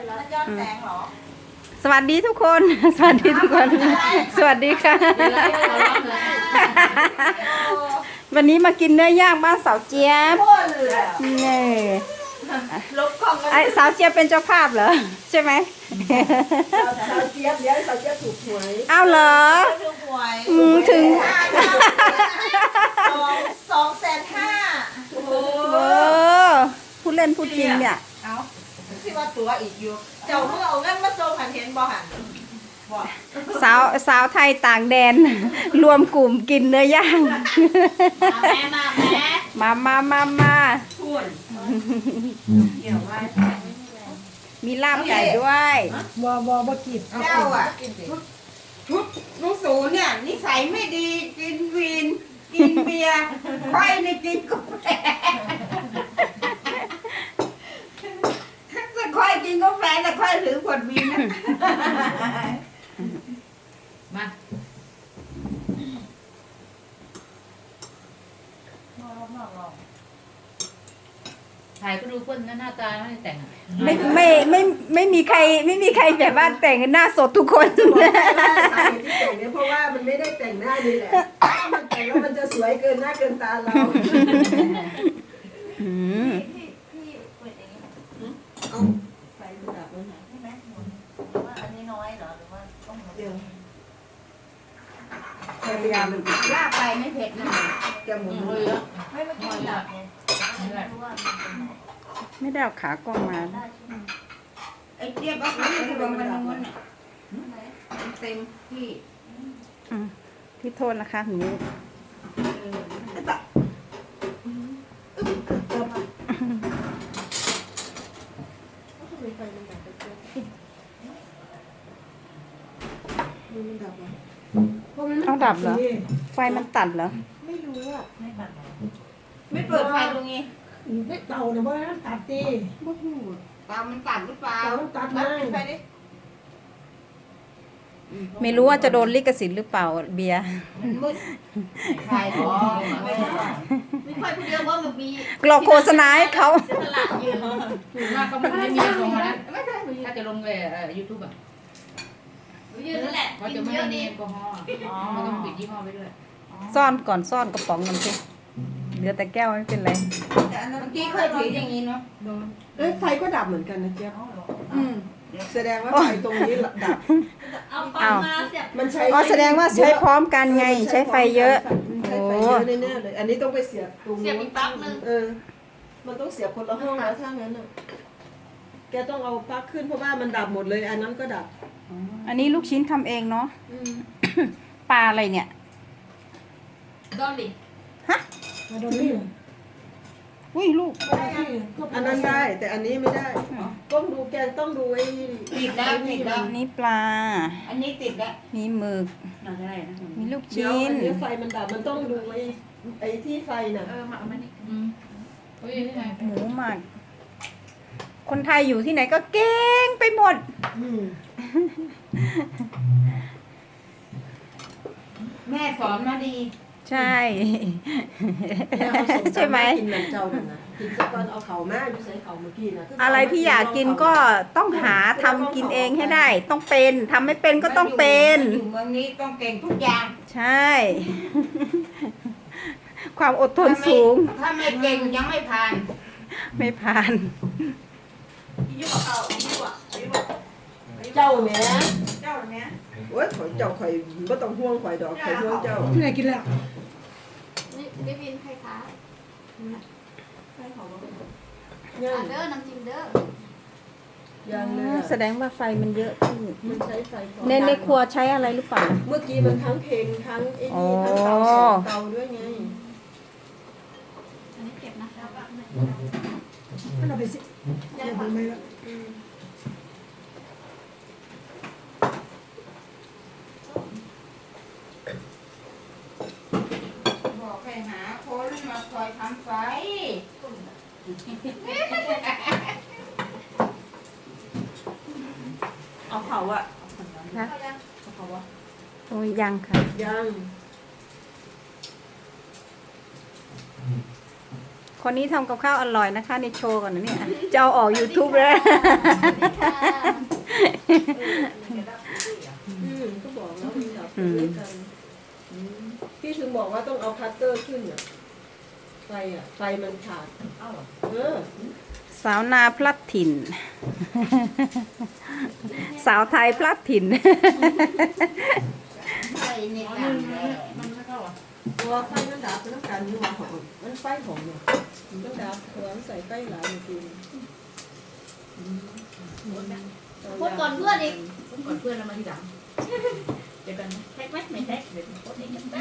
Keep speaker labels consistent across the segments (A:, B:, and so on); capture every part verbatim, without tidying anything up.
A: ย้อนแสงเหรอ
B: สวัสดีทุกคน สวัสดีทุกคน สวัสดีค่ะ วันนี้มากินเนื้อย่างบ้านสาวเจี๊ยบนี่ไอสาวเจี๊ยบเป็นเจ้าภาพเหรอใช่ไหม
C: สาวเจี๊ยบเดี๋ยวสาวเจี๊ยบถูกหวย
B: อ้าวเหรออืมถึง
A: สองสองแสนห้า
B: เออพูดเล่นพูดจริงเนี่ย
A: เอาที่ว่าตัวอีกอยู่เจ้าเมื่อเอาเงินมาโซ่หันเห็นบ่หัน
B: สาวสาวไทยต่างแดน รวมกลุ่มกินเนื้อย่าง
A: แม่มาแม่
B: มามามามา
A: พูดเกี่ยวไว้
B: มีลาบไก่ด้วย
C: บ่บ่บ่กิน
A: เจ้าอ่ะชุดลูกสูเนี่ยนิสัยไม่ดีกินวีนกินเบียร์ค่อยในกินกาแฟแต่ค่อยกินกาแฟแต่ค่อยถือขวดวีนนะมา
D: ถ่ายก็ดูคนหน้าตาไม่ได้แต่ง
B: ไม่ไม่ไม่ไม่มีใครไม่มีใครแบบว่าแต่งหน้าสดทุกคน
C: สาเหตุที่แต่งเนี่ยเพราะว่ามันไม่ได้แต่งหน้าดีแหละมันแต่งแล้วมันจะสวยเกินหน้าเกินตาเรา
B: อืม
A: พี่เปิดอย่างนี้เอาไฟดับแล้วนะใช่ไหมว่าอันนี้น้อยเหรอหรือว่าต้องเดียวพยายามลากไปไม่เผ็ดนะจะหมุนเลยไม่ไม่กินดับเนี่ย
B: ไม่ได้เอาขากล้องมา
A: ไอ้เจี๊ยบเอาขาไปวางมันนู้นเนี่ยเต็มที่
B: พี่โทษนะคะหนูเอาดับเหรอไฟมันตัดเหรอ
C: ไม่รู้อ่ะ
A: ไม่ตัดไม่เปิดไฟตรงนี้
C: ไม่เตาเนี่ยว่าตัดตีบ่หู
A: เตามันตัดหรือเปล่า
C: เตาตัดมา
A: ไฟดิ
B: ไม่รู้ว่าจะโดนลิขสิทธิ์หรือเปล่าเบียร์
A: มืดไฟอ๋อไม่ค่อยพูดเยอะว่ามันมี
B: กรอกโฆษณาให้เขา
A: จะตลาดยืน
D: ถูกมากก็มันไม่มีแอลกอฮอล์นะถ้าจะลงเลยยูทูบอ่ะ
A: ยืนนั่นแหละ
D: เขาจะไม่มีแอลกอฮอล์เขาต้องปิดยี่ห้อไว้ด้วย
B: ซ่อนก่อนซ่อนกระป๋องกันสิเหลือแต่แก้วไม่เป็นไร
A: แต่อันนั้นเมื่อกี้เคยถืออย่างนี้เนาะโดน
C: เอ้ยไฟก็ดับเหมือนกันนะเจ๊อืมแสดงว่าไฟตรงนี้ดับ
A: เอาปังมาเสียบ
C: มันใช้
B: อ๋อแสดงว่าใช้พร้อมกันไงใช้ไฟเยอะ
C: ใช้ไฟเยอะแน่ๆเลยอันนี้ต้องไปเสียบตรง
A: เสียบอีกปลั๊กนึง
C: เออมันต้องเสียบคนละห้องแล้วถ้างั้นอ่ะแกต้องเอาปลั๊กขึ้นเพราะว่ามันดับหมดเลยอันนั้นก็ดับ
B: อันนี้ลูกชิ้นทำเองเนาะปลาอะไรเนี่ย
A: ดอลลี่
B: ฮะ
C: ดอลลี่
B: อุ้ยลูก
C: อันนั้นได้แต่อันนี้ไม่ได้ต้องดูแกต้องดูไอ้
A: ติดแล้วติดแล้ว
B: นี่ปลา
A: อันนี้ติดแล้ว
B: มีหมึกมีลูกชิ้น
C: อันนี้ไฟมันดับมันต้องดูไอ้ไอ้ที่ไฟน่ะ
A: เออมาเอามานี่
B: หมูหมักคนไทยอยู่ที่ไหนก็เก่งไปหมด
A: แม่สอนมาดี
B: ใช่ใช่ไหม
C: กินเหมือนเจ้าหนึ่งนะกินสักก้อนเอาเขาแม่ดูใส่เขาเมื่อกี้นะ
B: อะไรที่อยากกินก็ต้องหาทำกินเองให้ได้ต้องเป็นทำไม่เป็นก็ต้องเป็น
A: อยู่เมืองนี้ต้องเก่งทุกอย่าง
B: ใช่ความอดทนสูง
A: ถ้าไม่เก่งยังไม่ผ่าน
B: ไม่ผ่าน
A: ยุ่งเขายุ่ง
C: เจ้าเนี้ย
A: เจ้าเนี้ย
C: โอ้ยข่อยเจ้าข่อยไม่ต้องห่วงข่อยดอกข่อยห่วงเจ้า
E: ที่ไหนกินแล้ว
A: นี่ได้บินใครคะใครของเด้อน้ำจิ้มเด้อ
C: ยังเลย
B: แสดงว่าไฟมันเยอะขึ้น
C: มันใช้ไฟ
B: ในในครัวใช้อะไรหรือเปล่า
C: เมื่อกี้มันทั้งเพลงทั้งไอ้นี่ทั้งเตาสองเตาด้วยไง
A: อันนี้เก็บนะแล้วก็
E: ให้เราไปสิเดี๋ยวผมไม่ละ
A: บอกให้หาคนมาคอยทำไฟเอาเขาอะ
B: นะ
A: เอาเขาอะ
B: โอ้ยยังค่ะ
C: ยัง
B: คนนี้ทำกับข้าวอร่อยนะคะในโชว์ก่อนนะเนี่ยจะเอาออก ยูทูบ แล้ว
C: ต้องเอาคัตเตอร์ขึ้นอ่ะไฟอ่ะไฟมันขาด
D: เอ้าเหรอ
C: เออ
B: สาวนาพลัดถิ่น สาวไทยพลัดถิ่น
A: ใส่ใน
D: อ๋อ
A: กั
D: มัน
A: น
D: มันไม่เข้าอ่ะ
C: ตัวไฟมันดับเป็นต้องการอยู่ว่าของมันไฟของเนี่ยมันต้องดับตัวมันใส่ไฟหลายเมื่อกี้
A: พูดก่อนเพื่อนอีก
D: ผมก่อนเพื่อนเรามาทีหลังเดี๋ยวกันแท็กไหมไม่แท็กเดี๋ยวโพสต์เองได้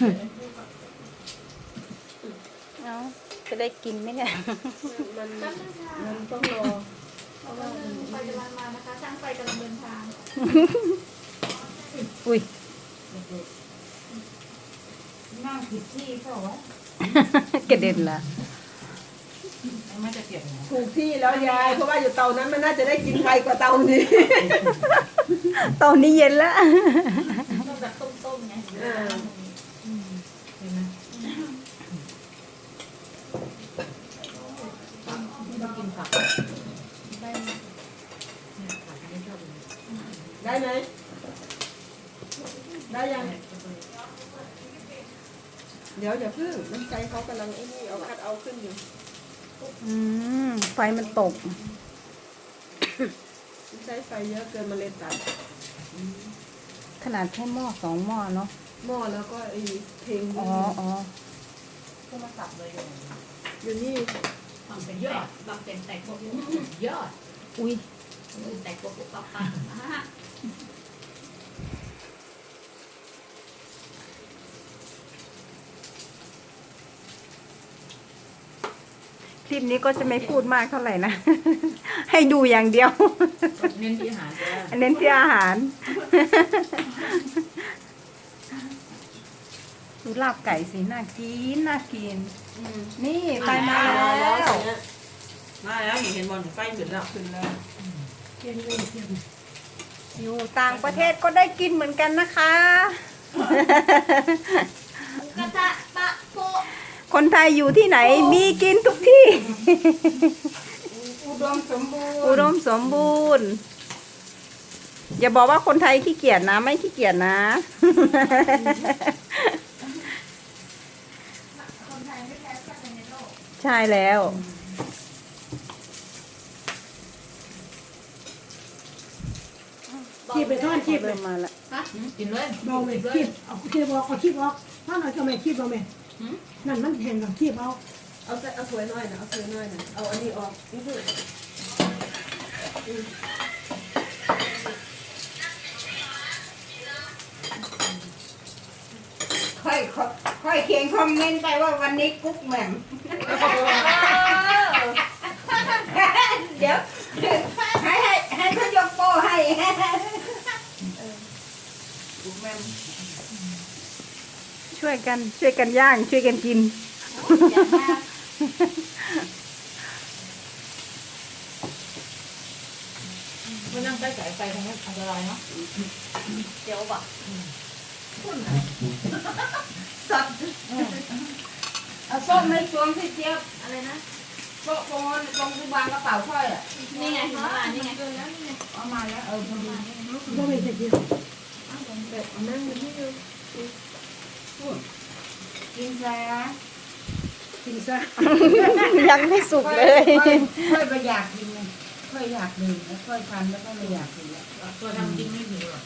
B: เอาจะได้กินไหมเนี่ย
C: มัน
A: แป๊บนึงค่ะ
C: มันต้องรอ
A: เพราะว่าไฟกำลังมานะคะช่างไฟกำลังเดินทาง
B: อุ้ย
D: นั่งผิดที่เปล่าวะ
B: กระเด็นละ
D: ไม่จะเปลี่ยนไง
C: ถูกที่แล้วยายเพราะว่าอยู่เตานั้นมันน่าจะได้กินไวกว่าเตานี้
B: ตอนนี้เย็นแล้ว
A: ต้องแบบต้มๆไง
C: เออ
D: เห็นไหมไม่ต้องกินผัก
A: ได้ไหม
D: เนี่ยผักไม่ชอบเลย
C: ได้ไหมได้ยังเดี๋ยวอย่าเพิ่งน้ำใจเขากำลังไอ้นี่เอาคัดเอาขึ้นอยู่
B: อืมไฟมันตก
C: ใช้ไฟเยอะเกินมาเลยตัด
B: ขนาดแค่หม้อสองหม้อเนาะ
C: หม้อแล้วก็ไอ้เพลง
B: อ๋ออ๋อ
D: ก็มาสับเลยอย่างนี้
C: อยู่นี่
D: บางเป็นยอดบางเป็นแตกพวกยอด
B: อุ้ย
D: แตกพวกปั๊บปั๊บ
B: คลิปนี้ก็จะไม่พูดมากเท่าไหร่นะ ให้ดูอย่างเดียว
D: เน้นที่อาหารจ้ะ
B: เน้นที่อาหาร ดูลาบไก่สิน่ากินน่ากิน นี่ไฟมาแล้ว
C: มาแล้วเห็นบอลไฟขึ้นแล้วขึ้นแล้ว
E: เทียนเลยเทียน
B: อยู่ต่างประเทศก็ได้กินเหมือนกันนะคะ
A: กระทะปะโปะ
B: คนไทยอยู่ที่ไหนมีกินทุกที่
C: อุดมสมบูรณ์
B: อุดมสมบูรณ์ อย่าบอกว่าคนไทยขี้เกียจนะ ไม่ขี้เกียจนะ
A: คนไทยไม่แพ้ชาติใดในโลก
B: ใช่แล้ว
E: คีบไปทอดคีบเล
B: เริ่
E: ย
B: มมาแล้ว
D: กินเลย
E: เบาเลยคีบเอาคีบออกเอาคีบออกถ้าหน่อยก็ไม่คีบเอาไหมนั่นมันแห้งกับคีบเอา
C: เอาใส่เอาถ้วยน้อยนะเอาถ้วยน้อยนะเอาอันนี้ออกนี่คือ
B: ค่อยค่อยเขียนคอมเมนต์ไปว่าวันนี้กุ๊กแหม่ม เดี๋ยวให้ให้ให้เขายกโป้ให้
D: ลูกแม่
B: ช่วยกันช่วยกันย่าง ช่วยกันกิน
A: อย่างมาก
D: ไม่นั่งใกล้สายไฟคงไม่อันตรายเนาะ
A: เดี๋ยวบอก
B: สับเอาส้มไม่ชวงพี่เจี๊ยบ
A: อะไรนะ
B: โต๊ะตรงนั้นตรงที่วางกระเป๋าค่อยอ่ะ
A: นี่ไงถึงเวลานี่ไง
B: เอามาแล้วเออพอดี
E: ก็ไม่จะกิน
C: แบบนั่งอยู่นี่อยู่
B: กินซะ
E: กินซะ
B: ยังไม่สุกเลย
F: ค่อยไปอยากกินเลยค่อยอยากดื่มแล้วค่อยทำแล้วก็ไม่อยากกินแล้ว
D: ตัวทำจริงไม่มีหรอก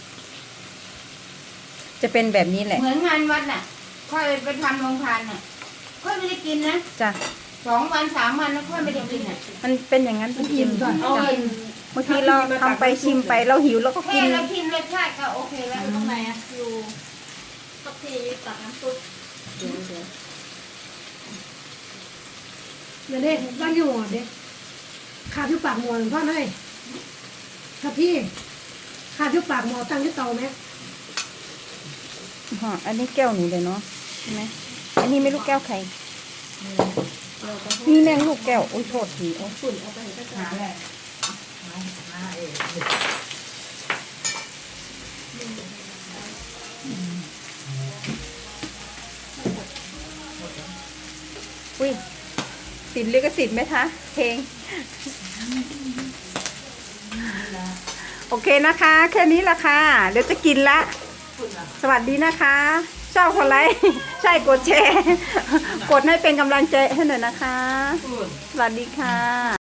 B: จะเป็นแบบนี้แหละ
F: เหมือนงานวัดน่ะ ค่อยไปทำโรงทานน่ะ ค่อยไม่ได้กินนะ
B: จ้ะ
F: สองวันสามวันแล้วค่อยไม่ได้กินอ่ะ
B: มันเป็นอย่างนั้นจริงๆ
C: เอา
B: จ้ะ
C: อัน
B: บางทีเราทำไปชิมไปเราหิวเราก็
F: แค่
B: กิน
F: เรากินรสชาติก็โอเคแล้ว
A: อยู่ตรงไหนอะอยู่ทับทีตักน้ำซุป
C: เดี๋ยวเดี๋ยว
E: เดี๋ยวเด็กบ้านอยู่หัวเด็กขาดอยู่ปากหมอหลวงพ่อเลยครับพี่ขาดอยู่ปากหมอตั้งที่เตาไหม
B: อ๋ออันนี้แก้วหนูเลยเนาะใช่ไหมอันนี้ไม่รู้แก้วใครนี่แม่งลูกแก้วโอ้ยโทษทีโอ้ย
C: ฝุ่นเอาไปให้กระจา
F: หาย แหละ
D: หาเอง
B: อุ้ยติดลิขสิทธิ์ไหมคะเพลง โอเคนะคะ แค่นี้ละค่ะ เดี๋ยวจะกินละ สวัสดีนะคะ ชชอบกดไลค์ ใช่กดแชร์ กดให้เป็นกำลังใจให้หน่อยนะคะ สวัสดีค่ะ